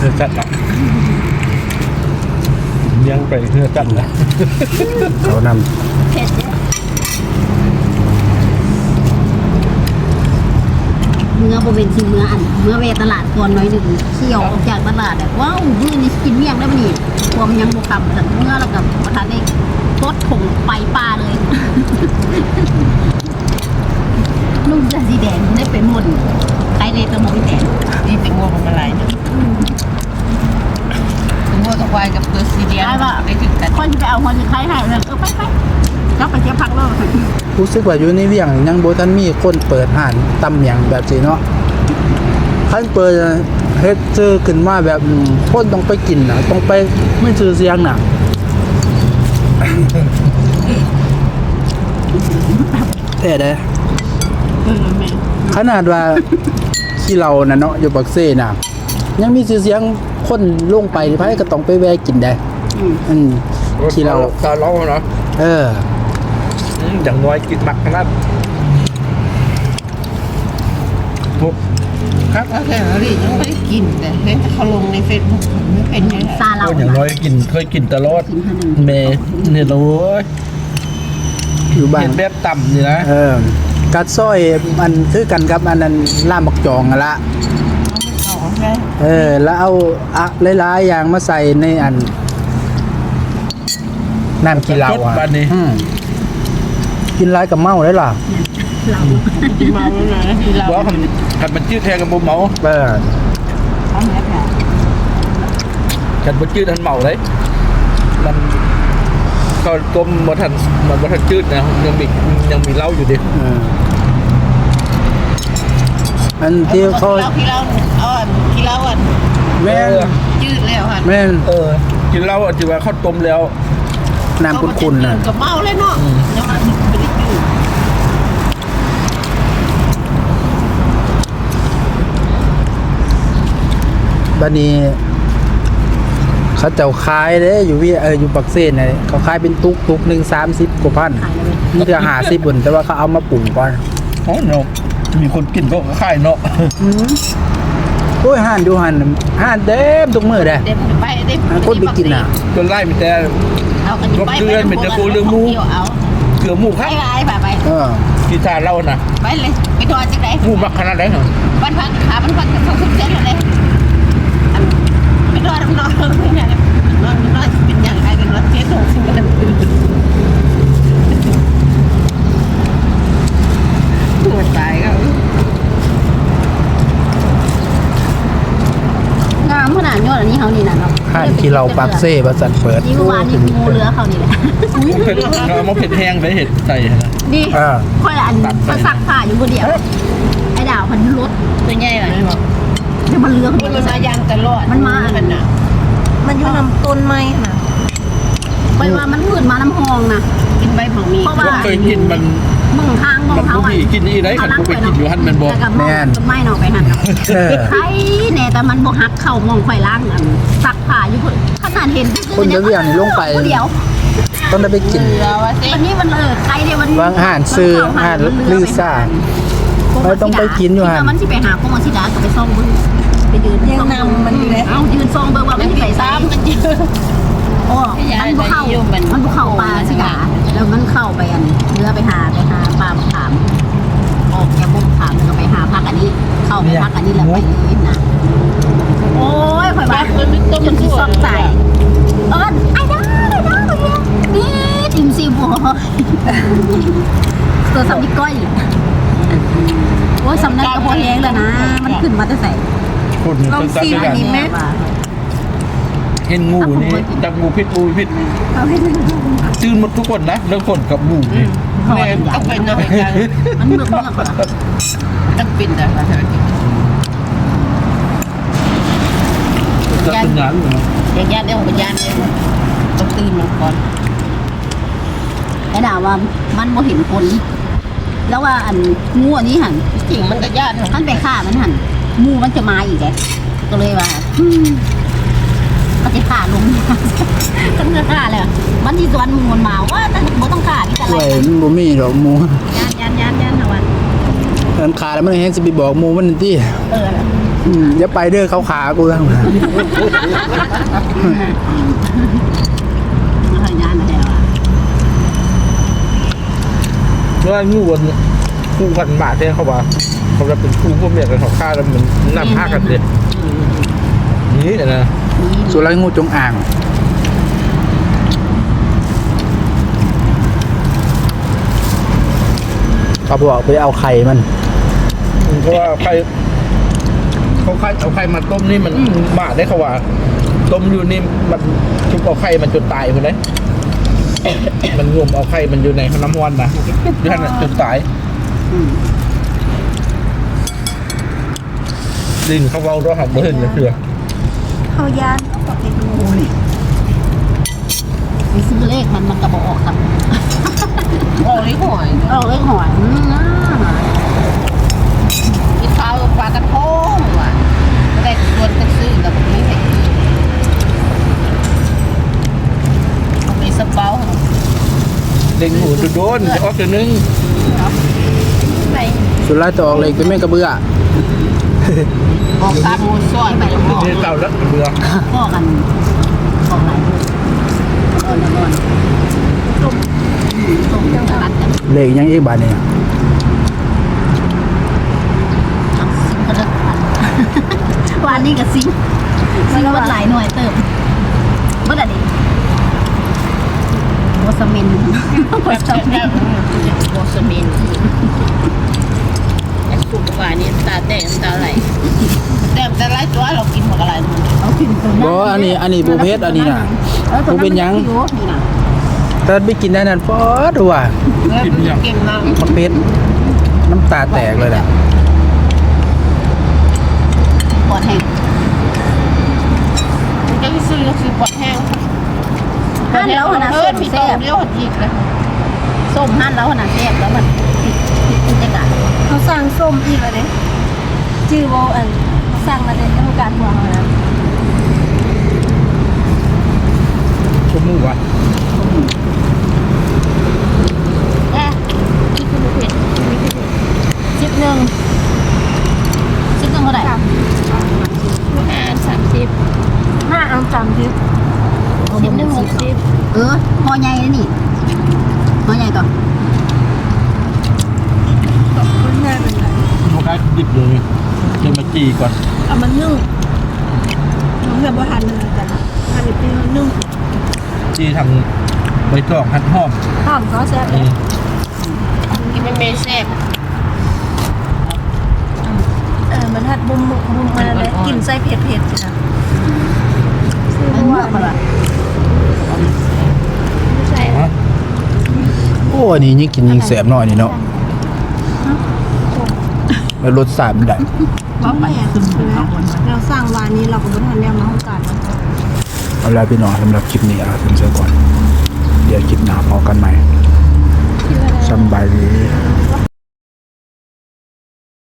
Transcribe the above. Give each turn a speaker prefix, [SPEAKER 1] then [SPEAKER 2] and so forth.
[SPEAKER 1] อจัดละยังไปเพื่อจัดนะ
[SPEAKER 2] เขาน
[SPEAKER 3] เผ็ดเยอะเมื่อโบเป็นชิมเมื่ออันเมื่อเวตลาดก่อนน้อยหนึ่งเที่ยวออกจากตลาดแบบว้าวมื้อนี้กินเมี่ยงได้ปะนี่พวมยังบวคำแต่เมื่อเรากับประธานได้รถผงไปปลาเลยนุ่มจะสีแดงได้เป็นหมดใครในตะมงแดง
[SPEAKER 4] นี่เป็นงัวของอะไรเนี่ยงัวกับควายกับเปอร์ซีเดียได้ถึงกัน
[SPEAKER 3] คนจะไปเอาคนจะใครให้เลยไปแล้วไปเที่ยวพักโลก
[SPEAKER 2] รู้สึกว่าอยู่ในเวียงยังบ่ทันมีคนเปิดห้านตำหยังแบบนี้เนาะคันเปิดเฮ็ดซื้อขึ้นมาแบบคนต้องไปกินน่ะต้องไปไม่ซื้อเสียงน่ะแต่เด้ขนาดว่าที่เราน่ะเนาะอยู่ปักเซ่น่ะยังมีชื่อเสียงคนลงไปไผก็ต้องไปแวะกินได้ที่เรา
[SPEAKER 1] ตาล้อเนาะอย่างน้อยกินหมักขนาดพวก
[SPEAKER 4] ครับแต่เราดิยังไม่ได้กินแต่เห็นเขาลงในเฟซบุ๊กไม่เป็นไง
[SPEAKER 3] ซาเรา
[SPEAKER 1] อย่างน้อยกินเคยกินตลอดเมเนี่ยเรา
[SPEAKER 2] อยู่บ้าน
[SPEAKER 1] แบบต่ำนี่นะ
[SPEAKER 2] กัดซอยมันคือกันครับอันนั้นล่ามบักจองละแล้วเอาหลายๆอย่างมาใส่ในอันน้ำกินเหล้ากินร้ายกับเมาได้หรอ
[SPEAKER 3] เรา
[SPEAKER 4] เมาแล้วนะที่เรา
[SPEAKER 1] ว่าขันมันจืดแทนกับบุเมาขันมันจืดทันเมาเลยมันก็ต้มมันทันจืดนะยังมีเหล้าอยู่ดิ
[SPEAKER 2] อันที่เขา
[SPEAKER 4] ที่เรา
[SPEAKER 2] แม่
[SPEAKER 4] จืดแล้วค่ะ
[SPEAKER 2] แม่
[SPEAKER 1] กินเหล้าจืดว่าข้าวต้มแล้ว
[SPEAKER 2] น้ำขุ่นๆนะ
[SPEAKER 4] กับเมาเลยเนาะยังไม่ได้จืด
[SPEAKER 2] บัดนี้เขาเจ้าขายเด้อยู่อยู่ปักเซ่นน่ะเขาขายเป็นตุกนึง30กว่าพันนี่จะ50บนแต่ว่าเขาเอามาปรุงก่อน
[SPEAKER 1] อ๋อเนาะมีคนกินก็ขายเนาะ
[SPEAKER 2] โอ้ยห่านดูห่านเต็มทุกมื้อเด้คนไปกินน่ะ
[SPEAKER 1] จนไล่มีแต่รบเกลือมีแต่กูเรื่องหมูเกลือหมูครับ
[SPEAKER 4] ไป
[SPEAKER 1] กีตาร์เล่านะ
[SPEAKER 4] ไปเลยไปทอดจังได๋
[SPEAKER 1] หมูมักขนาดไหนเหรอ
[SPEAKER 4] บ้านพักขาบ้านพักเขาทุกเส้นเลยไปทอดน้องเนี่ยน้องเป็นอย่างไรกันรถเจ๊ส่งสิ่งนั้นปวดตายก็
[SPEAKER 3] งามขนาดยอดอันนี้เขานี่นะเนาะ
[SPEAKER 2] ห่านที่เราปักเซ่ประสันเปิด
[SPEAKER 3] นี่เมื่อวานนี่งูเรือเขานี่แหละ
[SPEAKER 1] เรามาเผ็ดแห้งไปเห็ดใส่นะ
[SPEAKER 3] นี่ค่อยอันมาซักผ้าอยู่คนเดียวไอ้ดาวพันรถ
[SPEAKER 4] ตัวใหญ่เลยบอก
[SPEAKER 3] เดี๋ยวมันเรือ
[SPEAKER 4] มันมายางตลอด
[SPEAKER 3] มันมา
[SPEAKER 4] มันน่ะมันอยู่ลำต้นไม้ค่ะ
[SPEAKER 3] ไปว่ามันขึ้นมาน้ำหองนะ
[SPEAKER 4] กินใบผักมี
[SPEAKER 3] เพราะว่า
[SPEAKER 1] เคยกินมัน
[SPEAKER 3] มึงทางมองเขาอ่ะ
[SPEAKER 1] กินนี่ได้ขันกูไปกินอยู่หันมันบอก
[SPEAKER 3] แม่นไม่เนาะไปหันใช่แน่แต่มันบกหักเข่ามองไฟล่างซักผ้าอยู่ขนาดเห็น
[SPEAKER 2] คนจะเวียงลงไป
[SPEAKER 3] เดี๋ยว
[SPEAKER 2] ต้องได้ไปกิน
[SPEAKER 3] วันนี้มันใครเดี๋ยวมัน
[SPEAKER 2] วางห่านซื้อห่านลือซ่าเราต้องไปกินอยู่ห่าน
[SPEAKER 3] มันที่ไปหาพวกมันสิดาก็ไปซ่องบึ้งไปยืน
[SPEAKER 4] ยังนำมันอยู่เลย
[SPEAKER 3] เอายืนซ่องเบอร์ว่ามันใส่ซ้ำมันยืนโอ้มันบุกเข้าปลาสิดาแล้วมันเข้าไปอันเรือไปหาปลาขามออกจากบุกขามแล้วก็ไปหาพักอันนี้เข้าไปพักอันนี้แล้วไปเลยนะโอ้ยข่อยบ้าจนที่ซอกใส่ไอ้ด้านี่ติมซีบัวตัวสำลีก้อยโอ้ยสำนักกระเพาะแห้งเลยนะมันขึ้นมาแต่ใส่
[SPEAKER 4] ลองซีอันนี้ไหม
[SPEAKER 1] เห็นงูนี่จับงูพิษจืนหมดทุกคนนะเรื่องคนกับงูนี่
[SPEAKER 4] แม่ต้องเป็นอะไรกัน
[SPEAKER 3] มันเมือกเหรอ
[SPEAKER 4] ต้องเป็นอะไร
[SPEAKER 1] จะเป็นงานเหรอ
[SPEAKER 4] ญาติเดี๋ยวญาติต้องตื่นมาก่อน
[SPEAKER 3] ไอ้ดาวว่ามันบ่เห็นคนแล้วว่าอันงูอันนี้หัน
[SPEAKER 4] จริงมันก็ญาติ
[SPEAKER 3] ท่านไปฆ่ามันหันงูมันจะมาอีกไงก็เลยว่าก็จะฆ่าลงก็เนื้อฆ่าเลยมันที่สวนมูมันมาว่าแต่บ่ต้องฆ่าที่อะไร
[SPEAKER 2] บ่มีหรอกมู
[SPEAKER 3] ยันเอาวัน
[SPEAKER 2] มันขาแล้วมันแห้งสิไปบอกหมู่มันนี่ติอย่าไปเด้อเขาขากูทั้ง
[SPEAKER 3] มันขยันนะแฮะ
[SPEAKER 1] เมื่องูวันคู่กันบาทเนี่ยเขาว่าเขาจะเป็นคู่พวกเมียกันเขาฆ่าแล้วมันนำฆ่ากันเลยนี่นะ
[SPEAKER 2] สุไรงูจงอ่างเขาบอกไปเอาไข่มัน
[SPEAKER 1] เพราะว่าไข่เขาไข่เอาไข่มาต้มนี่มันบาทได้เขาว่าต้มอยู่นี่มันชุบเอาไข่มันจนตายคนเลยมันงมเอาไข่มันอยู่ในน้ำวันนะที่ท่านจนตายดินเขาเอาเราหักเบอร์เห็นเลยเถื่อ
[SPEAKER 3] เขาย่านก็ไปดูไปซื้อเลขมันกระบอกออกครับ
[SPEAKER 4] โอ้ยหอย
[SPEAKER 3] ออกเลขหอย
[SPEAKER 4] กินข้าวปลากระทงว่ะแต่ชวนกันซื้อกับนี้ให้มีสเปา
[SPEAKER 1] เด็กหมูโดนจะออกตัวนึง
[SPEAKER 4] ไหน
[SPEAKER 2] สุไรตออกเลยเป็นแม่กระเบื้อ
[SPEAKER 4] ออกตามมูส่วนไปแล้วก็
[SPEAKER 1] นี่เต่าแล้วเบื่อ
[SPEAKER 3] พ่อกันออกหลายนอนนอนส่งจังหวัดกัน
[SPEAKER 2] เลขยังอีกบาทเนี่ย
[SPEAKER 3] ซิงก็เลิกวันนี้กับซิงวัดหลายหน่วยเติมวัดอะไรโมสมินโมสมิน
[SPEAKER 4] โบสมินสุกกว่านี้ตาแดงตาไหลแต่ไรตัวเรากินหมดอะไร
[SPEAKER 3] เอาขึ้นตัว
[SPEAKER 2] บ่อันนี้บูเพชอันนี้น่ะบูเป็นหยังแต่ไปกินได้นั่นพอดูว่า
[SPEAKER 4] เก่งมาก
[SPEAKER 2] มันเพชรน้ำตาแตกเลยน่ะ
[SPEAKER 3] ปอดแห้ง
[SPEAKER 4] จะซื้อปอดแห้ง
[SPEAKER 3] หั่นแล้วนะ
[SPEAKER 4] เอ
[SPEAKER 3] ส้
[SPEAKER 4] อ
[SPEAKER 3] ม
[SPEAKER 4] มี
[SPEAKER 3] แซ่
[SPEAKER 4] ตัว
[SPEAKER 3] บ
[SPEAKER 4] เดียวอีกเลย
[SPEAKER 3] ส้มหั่นแล้วนะแซ่บแล้วมันติดกัน
[SPEAKER 5] เขาสั่งส้มอีกแล้วเด้ชื่อโบอันเขาสั่งมาเลยต้องการหัวเขานะ
[SPEAKER 1] ชุบมือวะ
[SPEAKER 4] นี่คือเผ็ด
[SPEAKER 3] ชิปหนึ่งเท่าไหร่
[SPEAKER 4] 30
[SPEAKER 5] ห้าอันสามทิพย์
[SPEAKER 3] พอใหญ่เลยนี่พอใหญ่ก่อน
[SPEAKER 5] คุณแม่เป็นไร
[SPEAKER 1] เขาได้ดิบเลยเดี๋ยวมาจีก่อน
[SPEAKER 5] เอามันนึ่งน้องเกือบว่าทันเลยแต่ทันอีกทีนึ่ง
[SPEAKER 1] จีทางใบตองหั่นหอม
[SPEAKER 5] หอมก็แซ่บเลย
[SPEAKER 4] กินไม่เมแซ่บ
[SPEAKER 5] มันทัดบุ้มมาเลยกลิ่นไส้เผ็ดๆนะซื้อ
[SPEAKER 3] มัน
[SPEAKER 5] ว่า
[SPEAKER 3] เมื่อก่อน
[SPEAKER 5] ไม่ใช่
[SPEAKER 2] โอ้อันนี้ยิ่งกินยิ่งแสบหน่อยนี่เนาะแล้วรสชาติมันได้
[SPEAKER 5] ว่าไปอ่ะเราสั่งวานนี้เราก็ไม่ทันแล้วมาห้องการ
[SPEAKER 2] เอาล่ะพี่น้องสำหรับคลิปนี้เอาถึงเสียก่อน